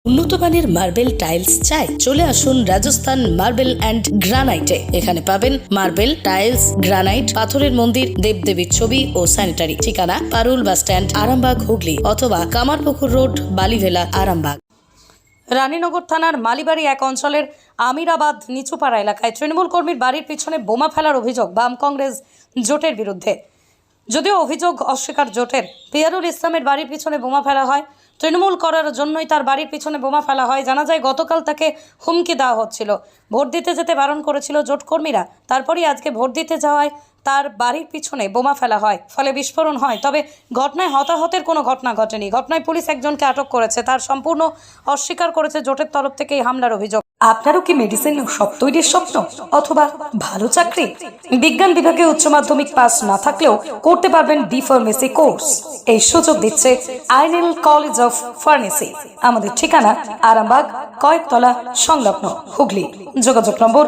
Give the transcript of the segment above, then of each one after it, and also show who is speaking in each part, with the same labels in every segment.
Speaker 1: উন্নত মানের marble tiles চাই? চলে আসুন রাজস্থান মার্বেল অ্যান্ড গ্রানাইটে। এখানে পাবেন মার্বেল, টাইলস, গ্রানাইট, পাথরের মন্দির, দেবদেবীর ছবি ও স্যানিটারি। ঠিকানা পারুল বাস স্ট্যান্ড, আরামবাগ, হুগলি, অথবা কামারপুকুর রোড, বালিভেলা, আরামবাগ। রানীনগর থানার মালিবাড়ি এক অঞ্চলের আমিরাবাদ নিচুপাড়া এলাকায় তৃণমূল কর্মীর বাড়ির পিছনে বোমা ফেলার অভিযোগ বাম কংগ্রেস জোটের বিরুদ্ধে। যদিও অভিযোগ অস্বীকার জোটের। পিয়ারুল ইসলামের বাড়ির পিছনে বোমা ফেলা হয়, তৃণমূল করার জন্যই তার বাড়ির পিছনে বোমা ফেলা হয়। জানা যায় গতকাল তাকে হুমকি দেওয়া হচ্ছিল, ভোট দিতে যেতে বারণ করেছিল জোট কর্মীরা। তারপরই আজকে ভোট দিতে যাওয়ায় তার বাড়ির পিছনে বোমা ফেলা হয়, ফলে বিস্ফোরণ হয়। তবে ঘটনায় হতাহতের কোনো ঘটনা ঘটেনি। ঘটনায় পুলিশ একজনকে আটক করেছে, তার সম্পূর্ণ অস্বীকার করেছে জোটের তরফ থেকে এই হামলার অভিযোগ। আপনারও কি মেডিসিন সব তৈরির স্বপ্ন অথবা ভালো চাকরি? বিজ্ঞান বিভাগে উচ্চ মাধ্যমিক পাস না থাকলেও করতে পারবেন ডি ফার্মেসি কোর্স। এই সুযোগ দিচ্ছে আইনেল কলেজ অফ ফার্মেসি। আমাদের ঠিকানা আরামবাগ, কয়েকতলা সংলগ্ন, হুগলি। যোগাযোগ নম্বর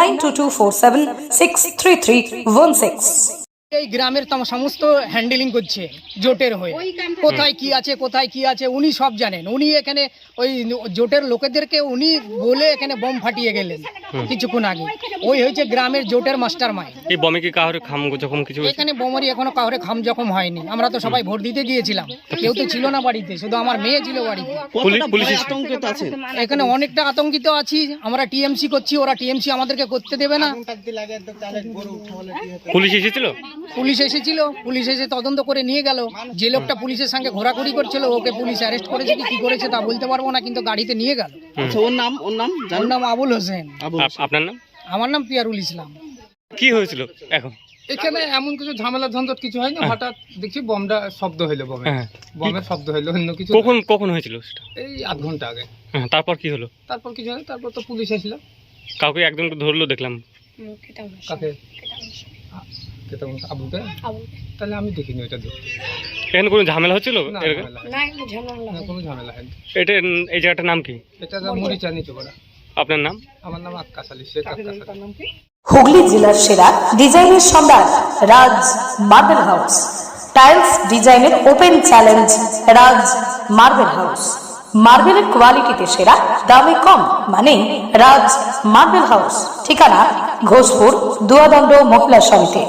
Speaker 1: 9224763316।
Speaker 2: এই গ্রামের সমস্ত হ্যান্ডেলিং করছে জোটের হয়ে। কোথায় কি আছে উনি সব জানেন। উনি এখানে ওই জোটের লোকেদেরকে উনি বলে এখানে বোম ফাটিয়ে গেলেন কিছুক্ষণ আগে। ওই হয়েছে গ্রামের জোটের মাস্টার মাইন্ড।
Speaker 3: এই বমে কি কাউরে খাম জখম কিছু হয়েছে?
Speaker 2: এখানে বোমারি এখনো কাউরে খাম জখম হয়নি। আমরা তো সবাই ভোট দিতে গিয়েছিলাম, কেউ তো ছিল না বাড়িতে, শুধু আমার মেয়ে ছিল বাড়িতে।
Speaker 3: পুলিশ
Speaker 2: এখানে অনেকটা আতঙ্কিত আছি। আমরা টিএমসি করছি, ওরা টিএমসি আমাদেরকে করতে দেবে না।
Speaker 3: পুলিশ এসেছিল?
Speaker 2: পুলিশ এসে তদন্ত করে নিয়ে গেল। যে লোকটা পুলিশের সঙ্গে ঘোরাঘুরি করছিল ওকে পুলিশ অ্যারেস্ট করেছে কি করেছে তা বলতে পারবো না, কিন্তু গাড়িতে নিয়ে গেল।
Speaker 4: ওর নাম
Speaker 2: আবুল হোসেন।
Speaker 3: আপনার নাম?
Speaker 2: আমার নাম পিয়ারুল ইসলাম।
Speaker 3: কি হয়েছিল এখন?
Speaker 5: এখানে এমন কিছু ঝামেলা ঝঞ্ঝট কিছু হয়নি, হঠাৎ দেখছি বোমটা শব্দ হইলো, বোমের শব্দ হইলো, অন্য কিছু।
Speaker 3: কখন হয়েছিল সেটা?
Speaker 5: এই আধ ঘন্টা আগে।
Speaker 3: তারপর কি হলো?
Speaker 5: তারপর কিছু হয়নি, তারপর তো পুলিশ এসেছিল।
Speaker 3: কাউকে একজনকে ধরলো দেখলাম।
Speaker 5: কাকে? আবুকে? তাহলে আমি দেখিনি ওইটা।
Speaker 3: এখানে কোনো ঝামেলা হচ্ছিল?
Speaker 5: না, কোনো ঝামেলা হয়নি।
Speaker 3: এই জায়গাটার নাম কি?
Speaker 5: এটা মরিচা নিচুপাড়া।
Speaker 3: আপনার নাম?
Speaker 5: আমার নাম আক্কাস আলী, শেখ আক্কাস আলী।
Speaker 1: হুগলি জেলার সেরা ডিজাইনের Samrat Raj marble house. Tiles ডিজাইনের open challenge Raj marble house. মার্বেলের কোয়ালিটিতে সেরা, দামে কম, মানে রাজ মার্বেল হাউস। ঠিকানা ঘোষপুর, দুয়াদণ্ড মহিলা সমিতি।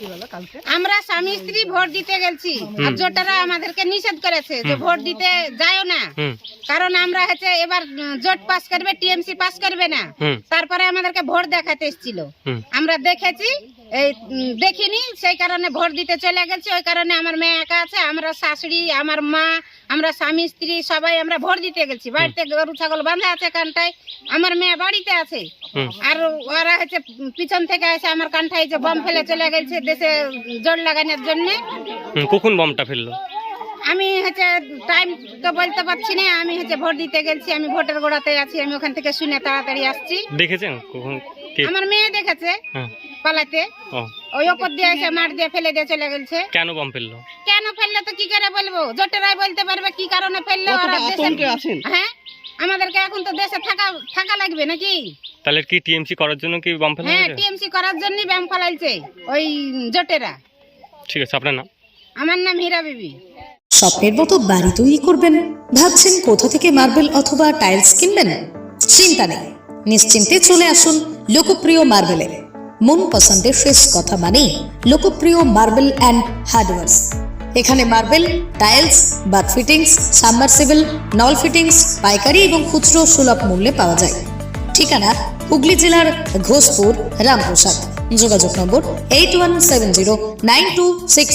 Speaker 6: আমরা স্বামী স্ত্রী ভোট দিতে গেছি, আর জোটারা আমাদেরকে নিষেধ করেছে যে ভোট দিতে যাও না, কারণ আমরা হচ্ছে এবার জোট পাস করবে, টিএমসি পাস করবে না। তারপরে আমাদেরকে ভোট দেখাতে এসেছিল, আমরা দেখেছি, এই দেখিনি, সেই কারণে ভোট দিতে চলে গেছি। ওই কারণে আমার মেয়ে একা আছে, আমরা শাশুড়ি, আমার মা, আমরা স্বামী স্ত্রী সবাই আমরা ভোট দিতে গেছি। বাড়িতে গরু ছাগল বাঁধা আছে কানটায়, আমার মেয়ে বাড়িতে আছে, আর ওরা হচ্ছে পিছন থেকে এসে আমার কানটায় যে বম ফেলে চলে গেছে দেশে জোর লাগানোর জন্য।
Speaker 3: কখন বমটা ফেললো?
Speaker 6: আমি হচ্ছে টাইম তো বলতে পারছি না, আমি হচ্ছে ভোট দিতে গেছি, আমি ভোটের গোড়াতে আছি, আমি ওখান থেকে শুনে তাড়াতাড়ি আসছি।
Speaker 3: দেখেছেন কখন?
Speaker 6: আমার মেয়ে দেখেছে পালাতে, ওই ওপর দিয়ে এসে মার দিয়ে ফেলে দিয়ে চলে গেছে।
Speaker 3: কেন বম ফেললো?
Speaker 6: কেন ফেললো তো কি করে বলবো, জোটেরাই বলতে পারবে কি কারণে ফেললো। হ্যাঁ, আমাদেরকে এখন তো দেশে থাকা লাগবে নাকি?
Speaker 3: তাহলে কি টিএমসি করার জন্য কি বম ফেলা?
Speaker 6: হ্যাঁ, টিএমসি করার জন্যই বম ফেলাইছে ওই জোটেরা।
Speaker 3: ঠিক আছে, আপনার নাম?
Speaker 6: আমার নাম হীরা বিবি।
Speaker 1: স্বপ্নের মতো বাড়ি তৈরি করবেন? ভাবছেন কোথা থেকে মার্বেল অথবা টাইলস কিনবেন? চিন্তা নেই, নিশ্চিন্তে চলে আসুন লোকপ্রিয় মার্বেলে। মন পছন্দের শেষ কথা মানে লোকপ্রিয় মার্বেল অ্যান্ড হার্ডওয়্যার্স। এখানে marble, tiles, bath fittings, submersible, নল ফিটিংস পাইকারি এবং খুচরো সুলভ মূল্যে পাওয়া যায়। ঠিকানা হুগলি জেলার ঘোষপুর, রামপ্রসাদ। যোগাযোগ নম্বর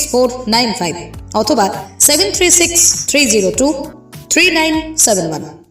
Speaker 1: 8170926495 অথবা 7363023971।